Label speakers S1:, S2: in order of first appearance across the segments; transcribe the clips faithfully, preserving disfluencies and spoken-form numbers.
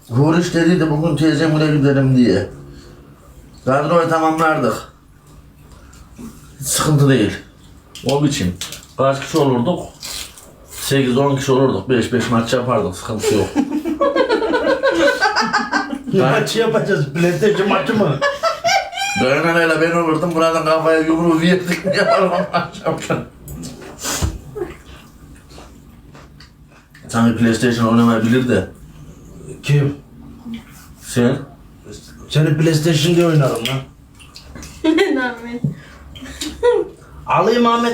S1: Huriş dediydi bugün teyzemle gidelim diye. Kadroyu tamamlardık. Hiç sıkıntı değil. O biçim. Kaç kişi olurduk? sekiz on kişi olurduk. beş beş maç yapardık. Sıkıntı yok.
S2: Ne maçı yapacağız? PlayStation maçı mı?
S1: Dönenayla ben olurdum. Buradan kafaya yumruğu yedik mi yaparım akşam. Sanki PlayStation oynamayabilir de.
S2: Kim?
S1: Sen?
S2: Seni PlayStation diye oynarım lan.
S3: Ahmet.
S2: Alayım Ahmet.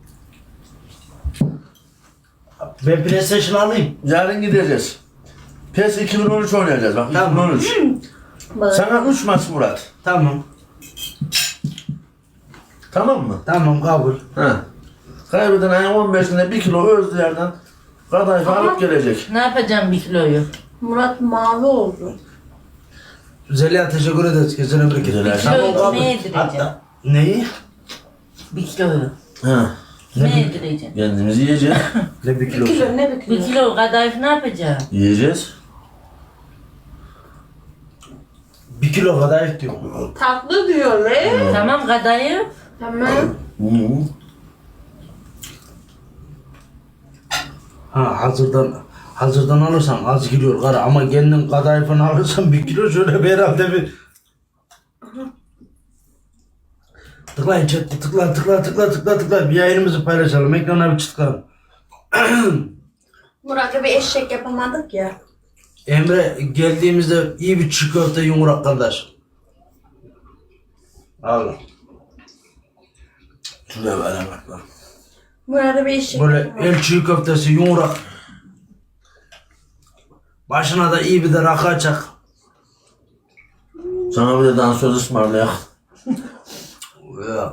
S2: Ben PlayStation alayım.
S1: Yarın gideceğiz. PES iki bin on üç oynayacağız bak.
S2: Tamam.
S1: iki bin on üç.
S3: Bak.
S1: Sana üç maç Murat.
S2: Tamam.
S1: Tamam mı?
S2: Tamam kabul.
S1: Ha. Kaybeden ayın on beşinde bir kilo Özdeğer'den kadayıf alıp gelecek.
S4: Ne yapacağım bir kiloyu?
S3: Murat mavi oldu.
S2: Zeliha teşekkür ederiz. Kesene bereket.
S1: Zeliha.
S2: Tamam
S4: Kiloyu
S2: kabul.
S4: ne yedireceğim?
S2: Hatta- Neyi?
S4: Bir kiloyu.
S1: Ha.
S4: Ne yedireceğim?
S1: Kendimizi yiyeceğiz.
S2: Ne bir
S3: Bir
S2: kilo?
S3: kilo ne bir
S4: Bir
S3: kilo?
S4: kilo kadayıf ne yapacağım?
S1: Yiyeceğiz.
S2: Bir kilo kadar diyor.
S3: Tatlı diyor le.
S4: Tamam kadayıf.
S3: Tamam.
S1: Hı.
S2: Ha hazırdan hazırdan alırsan az giriyor kara ama kendin kadayıfını alırsan bir kilo şöyle bir herhalde bir tıklayın chatte tıkla tıkla tıkla tıkla tıkla bir yayınımızı paylaşalım ekrana bir çıkalım.
S3: Murat'la bir eşek yapamadık ya.
S2: Emre geldiğimizde iyi bir çiğ köfte yumurtak kardeş. Allah.
S1: Şuraya ver bak bak.
S3: Murat'la bir eşek
S2: Böyle
S3: yapamadık.
S2: el çiğ köftesi yumurtak. Başına da iyi bir de rakı açak.
S1: Sana bir de dansöz ısmarlayak.
S2: Ya.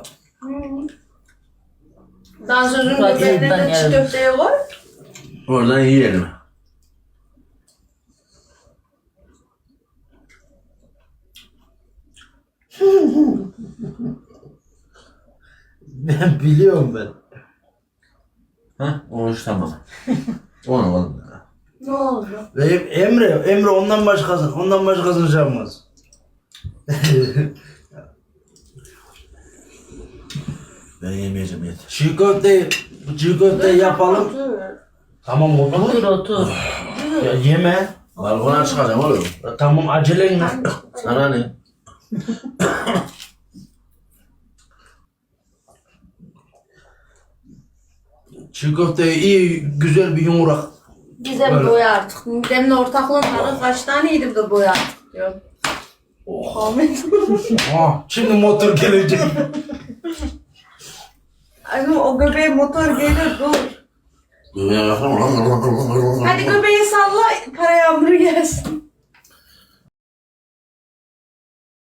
S3: Dansözün
S4: Murat
S3: göbeğine
S4: yoldan
S3: de çiğ
S4: gelmiş.
S3: köfteye koy.
S1: Oradan yiyelim.
S2: Ben biliyorum ben.
S1: Ha? O iş tamam. Onu alalım.
S3: Ne oldu?
S2: Ve Emre, Emre ondan başkasın, ondan başkasını şey yapmaz.
S1: Ben yemeyeceğim yeter.
S2: Çiğ köfteyi, çiğ köfteyi yapalım.
S3: Otur.
S2: Tamam otur.
S4: Otur otur.
S2: Ya yeme.
S1: Balkona çıkacağım oğlum.
S2: Ya tamam acelen ne?
S1: Sana ne?
S2: Çiğ köfteyi iyi, güzel bir yumurtak.
S3: Gizem
S2: Böyle.
S3: boy artık. Midemle ortaklığın tadı kaç taneydi de boy artık diyor. Ahmet.
S2: Ah, şimdi motor gelecek.
S3: Ay o göbeğe motor gelir dur.
S1: Göbeğe bakalım.
S3: Hadi göbeği salla para yağmuru gelsin.